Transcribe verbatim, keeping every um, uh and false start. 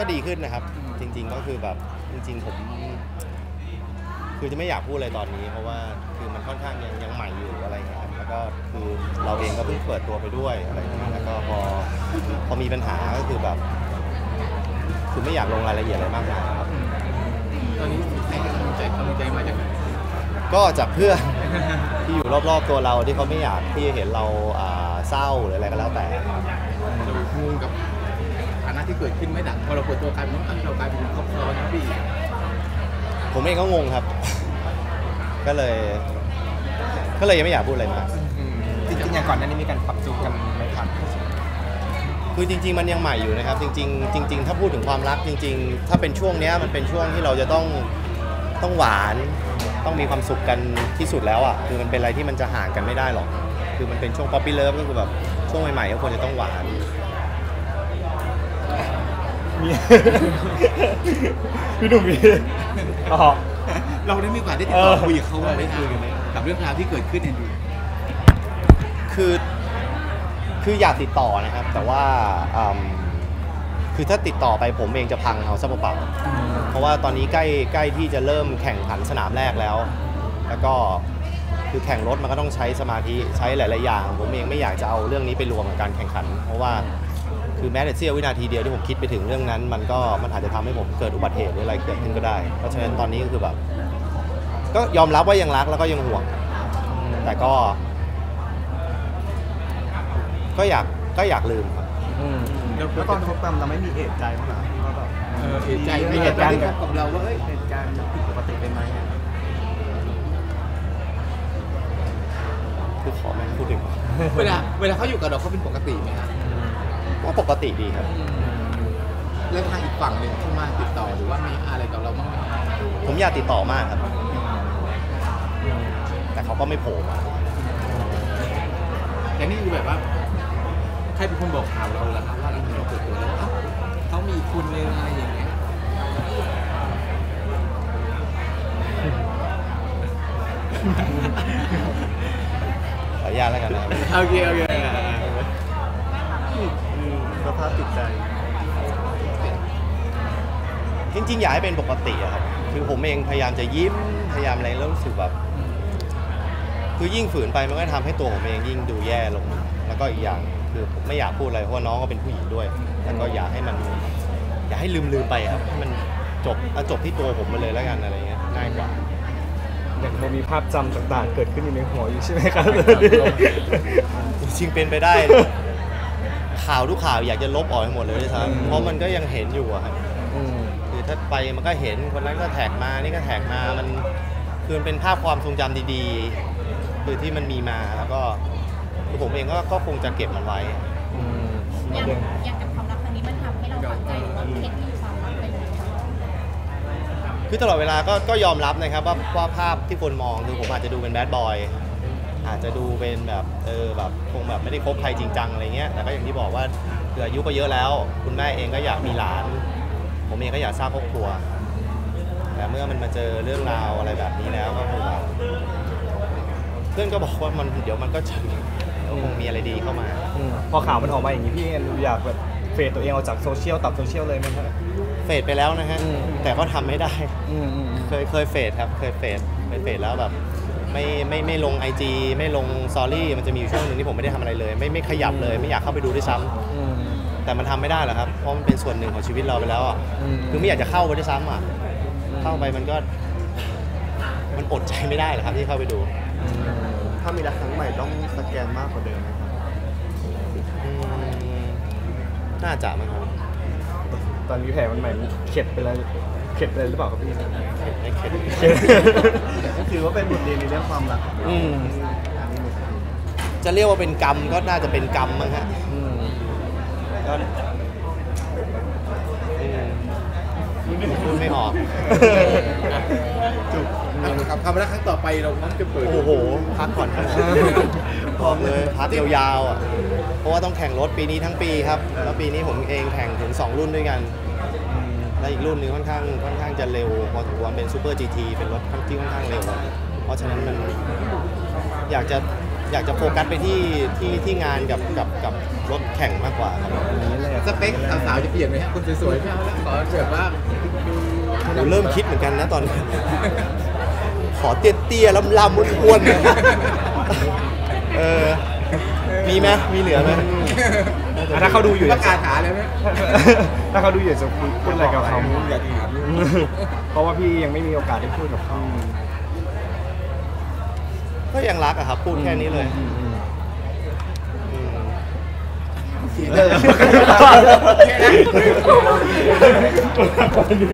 ก็ดีขึ้นนะครับจริงๆก็คือแบบจริงๆผมคือจะไม่อยากพูดอะไรตอนนี้เพราะว่าคือมันค่อนข้างยังยังใหม่อยู่อะไรเงี้ยครับแล้วก็คือเราเองก็เพิ่งเปิดตัวไปด้วยอะไรเงี้ยแล้วก็พอพอมีปัญหาก็คือแบบคือไม่อยากลงรายละเอียดอะไรมากมายครับตอนนี้ให้กำลังใจกำลังใจมาจากไหนก็จากเพื่อนที่อยู่รอบๆตัวเราที่เขาไม่อยากที่เห็นเราเศร้าหรืออะไรก็แล้วแต่เรางงกับฐานะที่เกิดขึ้นไหมดังพอเราเปิดตัวกลายเป็นว่าเรากลายเป็นครอบครัวนะพี่ผมเองก็งงครับก็เลยก็เลยยังไม่อยากพูดอะไรมากจริงๆอย่างก่อนหน้านี้มีการปรับจูนกันไหมครับคือจริงๆมันยังใหม่อยู่นะครับจริงๆจริงๆถ้าพูดถึงความรักจริงๆถ้าเป็นช่วงนี้มันเป็นช่วงที่เราจะต้องต้องหวานต้องมีความสุขกันที่สุดแล้วอ่ะคือมันเป็นอะไรที่มันจะห่างกันไม่ได้หรอกคือมันเป็นช่วงป๊อปปี้เลิฟก็คือแบบช่วงใหม่ๆก็ควรจะต้องหวานพี่หนุ่มมีเราได้มีโอกาสได้ติดต่อคุยกับเขาบ้างไหมกับเรื่องราวที่เกิดขึ้นเนี่ยดูคือคืออยากติดต่อนะครับแต่ว่าคือถ้าติดต่อไปผมเองจะพังเอาซะเปล่าเพราะว่าตอนนี้ใกล้ใกล้ที่จะเริ่มแข่งขันสนามแรกแล้วแล้วก็คือแข่งรถมันก็ต้องใช้สมาธิใช้หลายๆอย่างผมเองไม่อยากจะเอาเรื่องนี้ไปรวมกับการแข่งขันเพราะว่าคือแม้แต่เสี้ยววินาทีเดียวที่ผมคิดไปถึงเรื่องนั้นมันก็มันอาจจะทำให้ผมเกิดอุบัติเหตุหรืออะไรเกิดขึ้นก็ได้เพราะฉะนั้นตอนนี้ก็คือแบบก็ยอมรับว่ายังรักแล้วก็ยังห่วงแต่ก็ก็อยากก็อยากลืมครับแล้วตอนคบกันเราไม่มีเอะใจมั้งเหรอว่าแบบเอะใจมีเหตุการณ์กับเราว่าเหตุการณ์ผิดปกติไปไหมคือขอไม่พูดถึงเวลาเวลาเขาอยู่กับเราเขาเป็นปกติไหมครับก็ปกติดีครับแล้วทางอีกฝั่งหนึ่งเข้ามาติดต่อหรือว่ามีอะไรกับเราบ้างไหมผมอยากติดต่อมากครับแต่เขาก็ไม่โผล่มาแต่นี่คือแบบว่าใครเป็นคนบอกข่าวเราล่ะครับว่าเราเปิดตัวแล้วเขามีคุณเลยอะไรอย่างเงี้ยขออนุญาตแล้วกันนะโอเคโอเคสภาพจิตใจจริงๆอยากให้เป็นปกติอะครับคือผมเองพยายามจะยิ้มพยายามอะไรแล้วรู้สึกแบบคือยิ่งฝืนไปมันก็ทำให้ตัวผมเองยิ่งดูแย่ลงแล้วก็อีกอย่างคือผมไม่อยากพูดอะไรเพราะว่าน้องก็เป็นผู้หญิงด้วยแล้วก็อยากให้มันอยากให้ลืมลืมไปครับให้มันจบเอาจบที่ตัวผมไปเลยแล้วกันอะไรเงี้ยง่ายกว่าอย่างเรามีภาพจำต่างๆเกิดขึ้นในหัวอยู่ใช่ไหมครับจริงๆเป็นไปได้ข่าวทุกข่าวอยากจะลบออกให้หมดเลยด้วยซ้ำเพราะมันก็ยังเห็นอยู่อะครับคือถ้าไปมันก็เห็นคนนั้นก็แท็กมานี่ก็แท็กมามันคือเป็นภาพความทรงจำดีๆคือที่มันมีมาแล้วก็ผมเองก็ก็คงจะเก็บมันไว้อย่างอย่างกับความรักครั้งนี้มันทำให้เราฝังใจหรือว่าเข็ดที่ความรักไปเลยคือตลอดเวลาก็ก็ยอมรับนะครับว่าว่าภาพที่คนมองคือผมอาจจะดูเป็นแบดบอยอาจจะดูเป็นแบบเออแบบคงแบบไม่ได้คบใครจริงจังอะไรเงี้ยแต่ก็อย่างที่บอกว่าคืออายุก็เยอะแล้วคุณแม่เองก็อยากมีหลานผมเองก็อยากสร้างครอบครัวแต่เมื่อมันมาเจอเรื่องราวอะไรแบบนี้แล้วก็คงแบบเพื่อนก็บอกว่ามันเดี๋ยวมันก็จะคงมีอะไรดีเข้ามาพอข่าวมันออกมาอย่างนี้พี่อยากแบบเฟดตัวเองออกจากโซเชียลตัดโซเชียลเลยไหมครับเฟดไปแล้วนะฮะแต่ก็ทำไม่ได้เคยเคยเฟดครับเคยเฟดเคยเฟดแล้วแบบไม่ไม่ไม่ลง ไอ จี ไม่ลงสตอรี่มันจะมีอยู่ช่วงหนึ่งที่ผมไม่ได้ทำอะไรเลยไม่ไม่ขยับเลยไม่อยากเข้าไปดูด้วยซ้ำแต่มันทำไม่ได้หรอกครับเพราะมันเป็นส่วนหนึ่งของชีวิตเราไปแล้วอ่ะคือไม่อยากจะเข้าไปด้วยซ้ำอ่ะเข้าไปมันก็มันอดใจไม่ได้หรอกครับที่เข้าไปดูถ้ามีรักครั้งใหม่ต้องสแกนมากกว่าเดิมไหมครับน่าจะมั้งครับตอนนี้แผลมันใหม่เข็ดไปแล้วเข็ดไปเลยหรือเปล่าครับพี่ไม่เข็ดถือว่าเป็นบทเรียนในเรื่องความรักจะเรียกว่าเป็นกรรมก็น่าจะเป็นกรรมมั้งฮะก็พูดไม่ออกจุกครับคำรักครั้งต่อไปเราต้องจะเปิดโอ้โหพักก่อนครับพร้อมเลยพักยาวๆอ่ะเพราะว่าต้องแข่งรถปีนี้ทั้งปีครับแล้วปีนี้ผมเองแข่งถึงสองรุ่นด้วยกันและอีกรุ่นนึงค่อนข้างค่อนข้างจะเร็วพอสมควรเป็นซูเปอร์ จี ที เป็นรถที่ค่อนข้างเร็วเพราะฉะนั้นมันอยากจะอยากจะโฟกัสไปที่ที่ที่งานกับกับกับรถแข่งมากกว่าครับสเปคสาวๆจะเปลี่ยนไหมฮะคนสวยๆไม่เอาแล้วขอแบบว่าดูผมเริ่มคิดเหมือนกันนะตอนนี้ ขอเตี้ยๆลำๆอ้วนๆนะเออมีไหมมีเหลือไหมอ่ะถ้าเขาดูอยู่ประกาศหาเลยไหมถ้าเขาดูอยู่จะคุยพูดอะไรกับเขาอยากถามเพราะว่าพี่ยังไม่มีโอกาสได้พูดกับเขาก็ยังรักอะครับ พูดแค่นี้เลยอืมอืมอืมแค่นั้น